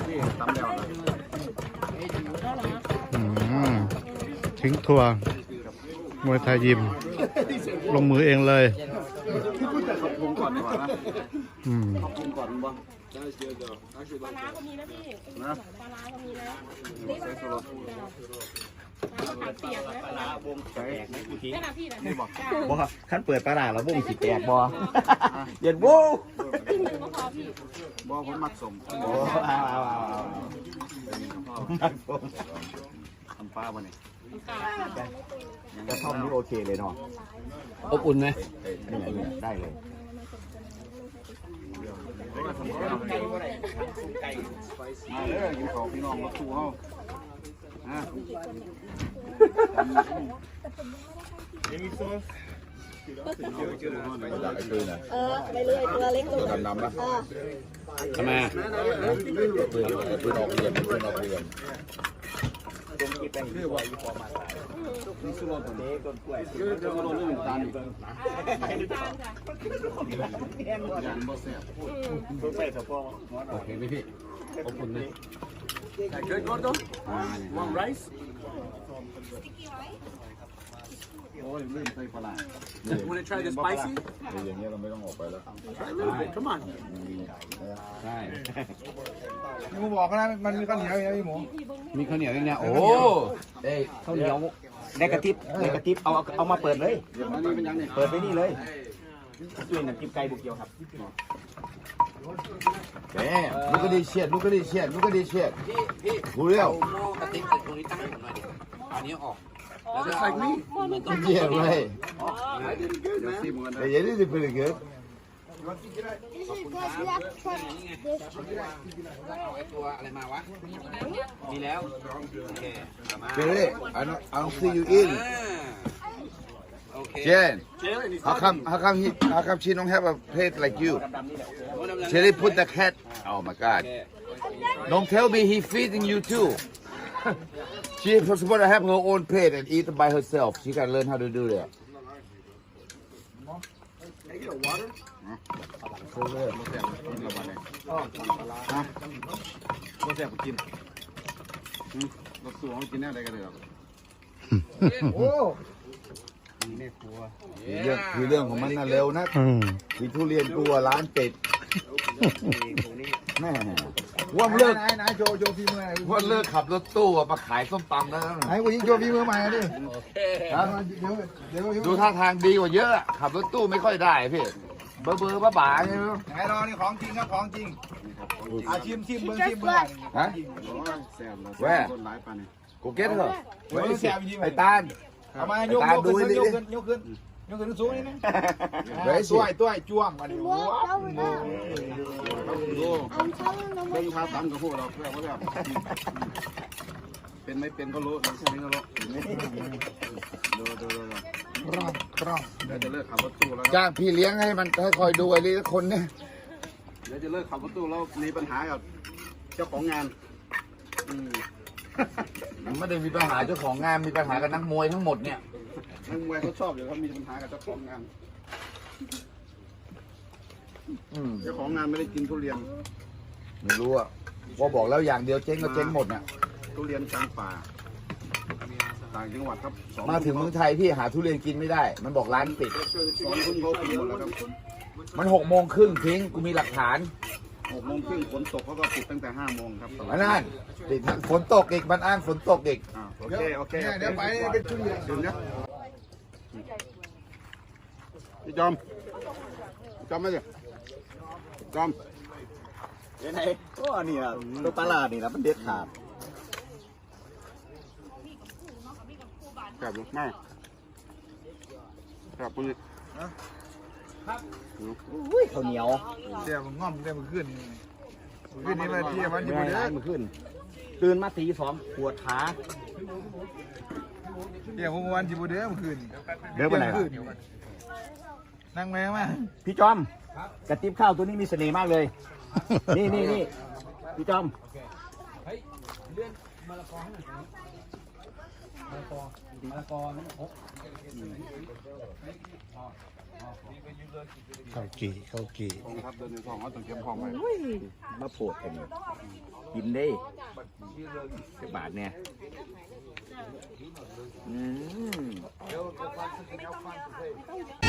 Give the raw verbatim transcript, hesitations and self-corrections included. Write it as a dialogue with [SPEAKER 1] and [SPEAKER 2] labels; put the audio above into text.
[SPEAKER 1] พี่ตำแล้ว
[SPEAKER 2] ทิ้งทัวร์มวยไทยยิมลงมือเองเลย
[SPEAKER 1] ขอบคุณก่อนดีกว่านะ
[SPEAKER 2] อืม
[SPEAKER 1] ขอบคุณก่อนบ้าง
[SPEAKER 3] ปลาร้าก็มีนะพี่
[SPEAKER 1] นะ
[SPEAKER 3] ปลาร้าก็มีนะนี่ปลาร้าผัดเปียกนะปลาร้าวงแตกนะพี่นะพี่นะ
[SPEAKER 4] บ่ขั้นเปิดปลาร้าแล้ววงสิแตกบ่เย็นวู้
[SPEAKER 3] ขึ้นหนึ่งก็พอพี่
[SPEAKER 1] บ่ผมมักสม
[SPEAKER 4] โอ้เอาเอาเอามักสม
[SPEAKER 1] ทำปลาบ่เนี่ย
[SPEAKER 4] กระท่อมนี่โอเคเลยเนาะ
[SPEAKER 5] อบอุ่นไหม
[SPEAKER 4] นี่แหละเนี่ยได้เลย
[SPEAKER 1] มาเลยกินของพี่น้องมาคู่เฮาอ่ะ
[SPEAKER 3] เออไปเลยตัวเล็กตัว
[SPEAKER 5] ดำๆนะ
[SPEAKER 3] เออ
[SPEAKER 5] ทำไมปืนปืนออกเรียนปืนออกเรียน
[SPEAKER 1] นี่สุดยอดเลยต้นกล้วยเยอะจะมาโดนเรื่องตาลอีกยันบ่แซ่บ
[SPEAKER 5] โอเคไหมพี่อบอุ่นไหม
[SPEAKER 1] Good, Gordo? Want rice? โอ้ยลืมใส่ปลา Want to try the spicy?
[SPEAKER 5] อย่างเงี้ยเราไม่ต้องออกไปแล้ว
[SPEAKER 1] Try a little bit. Come on.
[SPEAKER 5] ใช่
[SPEAKER 6] หมูบอกนะมันมีข้าวเหนียวอย่างนี้หมู
[SPEAKER 5] มีข้าวเหนียวอย่างเนี้ยโอ้เอ้ย
[SPEAKER 4] ข้าวเหนียวในกระติบในกระติบเอาเอามาเปิดเลย
[SPEAKER 1] อันนี้เป็นยังเนี่ย
[SPEAKER 4] เปิดไปนี่เลยช่วยน้ำจิ้มไก่บุกเกียวครับ
[SPEAKER 5] Damn, look at this shit, look at this shit, look at this shit. พี่ Who real? กระติกตรงนี้ตั้งให้ผมหน่อยดิอันนี้ออก
[SPEAKER 1] Just like me.
[SPEAKER 5] Yeah, right.
[SPEAKER 1] I did good, man.
[SPEAKER 5] Hey, yeah, this is pretty good.
[SPEAKER 3] This is because we have tried this.
[SPEAKER 5] เอาไอ้ตัวอะไรมาวะ มีแล้ว โอเคเอามา
[SPEAKER 7] Jerry, I don't, I don't see you eating.
[SPEAKER 5] โอเค
[SPEAKER 7] Jen, how come, how come he, how come she don't have a plate like you? Jerry put the cat. Oh my God! Don't tell me he feeding you too. She's supposed to have her own plate and eat by herself. She gotta learn how to do that.
[SPEAKER 1] Hey, get a water.
[SPEAKER 7] โซ่เลย
[SPEAKER 1] บ่แซ่บกินละวันเลยฮะบ่แซ่บกินอืมบ่สู้เอากินแน่ได้ก็ได้หรอก
[SPEAKER 6] โอ้
[SPEAKER 7] คือเรื่องคือเรื่องของมันน่ะเร็วนะ
[SPEAKER 2] อืม
[SPEAKER 7] มีทุเรียนกลัวร้านปิดแม่ว่าเลิก
[SPEAKER 6] ไหนไหนโจโจฟีมือไหน
[SPEAKER 7] ว่าเลิกขับรถตู้อะมาขายส้มตำแล้ว
[SPEAKER 6] ไหนกูยิงโจฟีมือใหม่ดิ
[SPEAKER 7] ครับ
[SPEAKER 6] เดี๋ยวเดี๋ยว
[SPEAKER 7] ดูท่าทางดีกว่าเยอะอะขับรถตู้ไม่ค่อยได้พี่เบอร์เบอร์บ้าบ้าใช่ไหม
[SPEAKER 6] ไหนรอนี่ของจริงครับของจริงอาชิมชิมเบิ้งชิมเบิ้ง
[SPEAKER 7] ฮะ
[SPEAKER 1] แซ่บแล้ว
[SPEAKER 7] แว่
[SPEAKER 1] คนหลายปานนี่
[SPEAKER 7] กูเก็ตเหรอ
[SPEAKER 6] เบิ้งแซวจริง
[SPEAKER 7] ไอ้ตาล
[SPEAKER 6] เอามายกยกขึ้นยกขึ้นยกขึ้นยกขึ้นสูงนี่นะตัวไอ้ตัวไอ้จ้วงมาดิว้าว
[SPEAKER 1] ดู
[SPEAKER 3] I'm telling them
[SPEAKER 1] เบิ่งท่าตำกับพวกเราเพื่อว่าแบบเป็นไม่เป็นก็รู้ไม่ใช่ก็รู้ดูดูดู
[SPEAKER 6] ครองครอง
[SPEAKER 1] เดี๋ยวจะเลิกขับรถตู้แล้ว
[SPEAKER 7] จ้างพี่เลี้ยงให้มันให้คอยดูไอ้นี่คนเนี่ย
[SPEAKER 1] เดี๋ยวจะเลิกขับรถตู้แล้วมีปัญหากับเจ้าของงานอืม
[SPEAKER 7] มันไม่ได้มีปัญหาเจ้าของงานมีปัญหากับนักมวยทั้งหมดเนี่ย
[SPEAKER 1] นักมวยเขาชอบอยู่เขามีปัญหากับเจ้าของงาน
[SPEAKER 7] อืม
[SPEAKER 1] เจ้าของงานไม่ได้กินทุเรียน
[SPEAKER 7] ไม่รู้อะว่าบอกแล้วอย่างเดียวเจ๊งก็เจ๊งหมดเนี่ย
[SPEAKER 1] ทุเรียนกลางป่าต่างจังหวัดครับสอง
[SPEAKER 7] มาถึงเมืองไทยพี่หาทุเรียนกินไม่ได้ มันบอกร้านปิด
[SPEAKER 1] สองทุ่มเขาปิดหมดแล้วครับ
[SPEAKER 7] มันหกโมงครึ่งทิ้งกูมีหลักฐาน
[SPEAKER 1] หกโมงครึ่งฝนตกเขาก็ปิดตั้งแต่ห้าโมงครับ
[SPEAKER 7] อันนั้นปิดฝนตกอีกมันอ้างฝนตกอีก
[SPEAKER 1] อ่าโอเคโอเค
[SPEAKER 6] เดี๋ยวไปเป็นชุดใหญ่
[SPEAKER 1] ถึงนะพี่จอมจอมไหมสิจอม
[SPEAKER 4] เดี๋ยวไหนก็นี่นะตัวปลาร้านี่นะมันเด็ดขาด
[SPEAKER 1] ครับมากครับคุณ
[SPEAKER 4] อุ้ยข้าวเหนียว
[SPEAKER 6] เดี๋ยวมันง่อมเดี๋ยวมันขึ้นขึ้นนี่มาที่มันอยู่บนเรือ
[SPEAKER 4] มันขึ้นตื่นมาตีสองปวดขา
[SPEAKER 6] เดี๋ยววันอยู่บนเรือมันขึ้น
[SPEAKER 4] เดินไปไหนล่ะ
[SPEAKER 6] นั่งแม่มา
[SPEAKER 4] พี่จอมกระติบข้าวตัวนี้มีเสน่ห์มากเลย นี่นี่นี่พี่จอม
[SPEAKER 2] ข้าวกี่ข้าวกี่
[SPEAKER 1] กองทัพเดินในท้องเขาต้องเก็บของไว้
[SPEAKER 4] มาโผล่กันกินได้สิบบาทเนี่ยอืม